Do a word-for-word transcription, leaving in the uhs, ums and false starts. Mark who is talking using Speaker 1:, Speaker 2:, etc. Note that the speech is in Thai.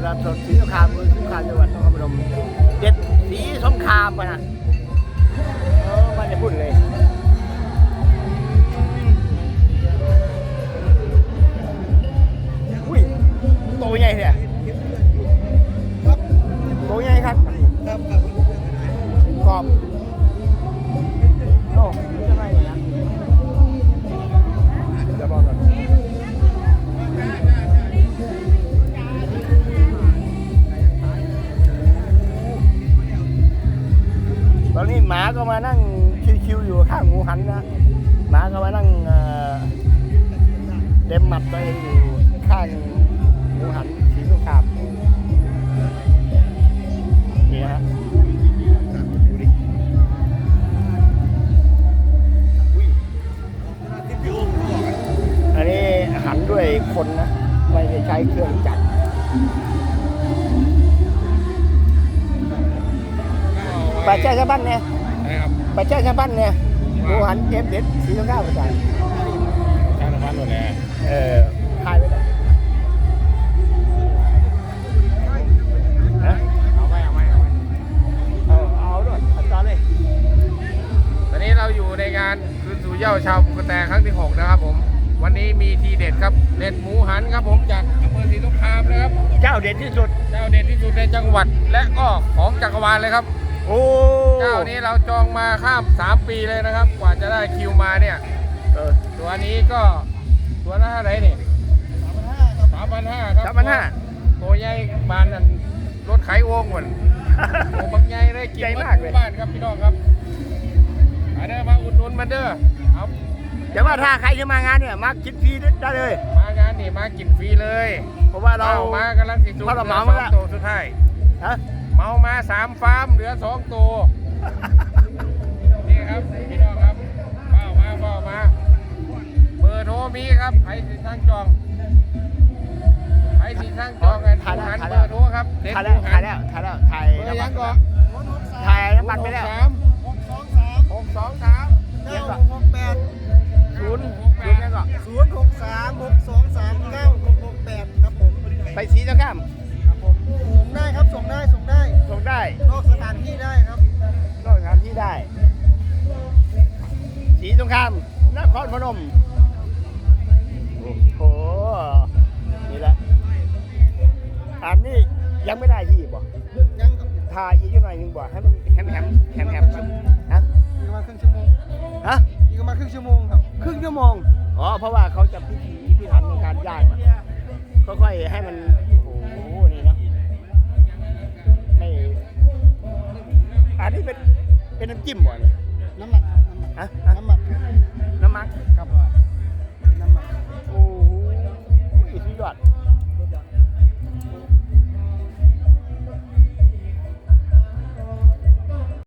Speaker 1: ลาดสดศรีสงครามเมืองสงขลาจังหวัดนครพนมเด็ดศรีสงครามป่ะนะเออมันจะพูดเลยอุ้ยโตใหญ่เนี่ยครับโตใหญ่ครับครับครับกรอบโอ้จะไงนะจะบอกก่อนตอนนี้หมาก็มานั่งชิวๆอยู่ข้างหมูหันนะหมาก็มานั่งเต็มหมัดตัวเองอยู่ข้างหมูหันสีสงครามนี่ฮะดูดิอุ้ยอันนี้หันด้วยคนนะไม่ได้ใช้เครื่องจักรไปแจ้งชาวบ้านเนี่ยไปแจ้งชาวบ้านเนี่ยหมูหันเอฟเด็ดสีสงครามประจานชาวบ้านหมดเลยเออทายไปเลยเอาไปเอาไปเอาไปเอาเอาด้วยอาจารย์เลย
Speaker 2: ตอนนี้เราอยู่ในงานคืนสู่เหย้าชาวภูกระแตครั้งที่หกนะครับผมวันนี้มีทีเด็ดครับเด็ดหมูหันครับผมจากอำเภอศรีสงครามนะครับ
Speaker 1: เจ้าเด็ดที่สุด
Speaker 2: เจ้าเด็ดที่สุดในจังหวัดและก็ของจักรวาลเลยครับ
Speaker 1: โอ้
Speaker 2: เจ้านี้เราจองมาข้ามสามปีเลยนะครับกว่าจะได้คิวมาเนี่ยเออตัวนี้ก็ตัวละเท่าไหร่นี่สามพันห้าครับ
Speaker 1: สามพันห้า
Speaker 2: ตัวใหญ่บานนั่นรถไขโอ่งเหมือนตัวบางใหญ่ได้กินมากเลยบ้านครับพี่น้องครับมาเด้อมาอุดหนุนมาเด้อเอา
Speaker 1: เดี๋ยวว่าถ้าใครจะมางานเนี่ยมากินฟรีได้เลย
Speaker 2: มางานนี่มากินฟรีเลย
Speaker 1: เพราะว่าเรา
Speaker 2: มากำลังสิจุด
Speaker 1: เพราะเราเมา
Speaker 2: มาตัวสุดท้าย
Speaker 1: ฮะ
Speaker 2: เมามาสามฟาร์มเหลือสองตัวนี่ครับพี่น้องครับเฝ้ามาเฝ้ามาเบอร์โทรมีครับใครสิทางจองใครสิทางจองกันผู้หันเบอร์โทรครับเด็ดผู้หัน
Speaker 1: ถ่ายแล้วถ่ายแล้วถ่าย
Speaker 2: เบอร์ยังก่อน
Speaker 1: ถ่ายน้ำมันไปแล้ว
Speaker 2: หกสองสามหกสองสาม
Speaker 1: เก้า
Speaker 3: หกแปด
Speaker 1: ศูนย์ศูนย์ยังก่อน
Speaker 3: ศูนย์หกสามหกสองสามเก้าหกหกแปดครับผม
Speaker 1: ไปสีสงคราม
Speaker 3: ครับผมส่งได้ครับส่งได้ส่งได้
Speaker 1: ส่งได้
Speaker 3: นอกสถานที่ได้ครับ
Speaker 1: นอกสถานที่ได้สีสงครามนครพนมโอ้โหนี่แหละอันนี้ยังไม่ได้ที่บ่
Speaker 3: ยัง
Speaker 1: ทาอีกหน่อยหนึ่งบ่ให้มันแฮมแฮมแฮมแฮมฮะ
Speaker 3: อีกประมาณครึ่งชั่วโมง
Speaker 1: ฮะ
Speaker 3: อีกประมาณครึ่งชั่วโมงครับ
Speaker 1: ครึ่งชั่วโมงอ๋อเพราะว่าเขาจะพิธีพิถันในการย่างมันค่อยๆให้มันโอ้โหนี่นะไม่อันนี้เป็นเป็นน้ำจิ้มบ่เนี่ย
Speaker 3: น้ำหมัก
Speaker 1: ฮะ
Speaker 3: น้ำหมัก
Speaker 1: น้ำหมัก
Speaker 3: ครับน้ำหมัก
Speaker 1: โอ้โหสุดยอด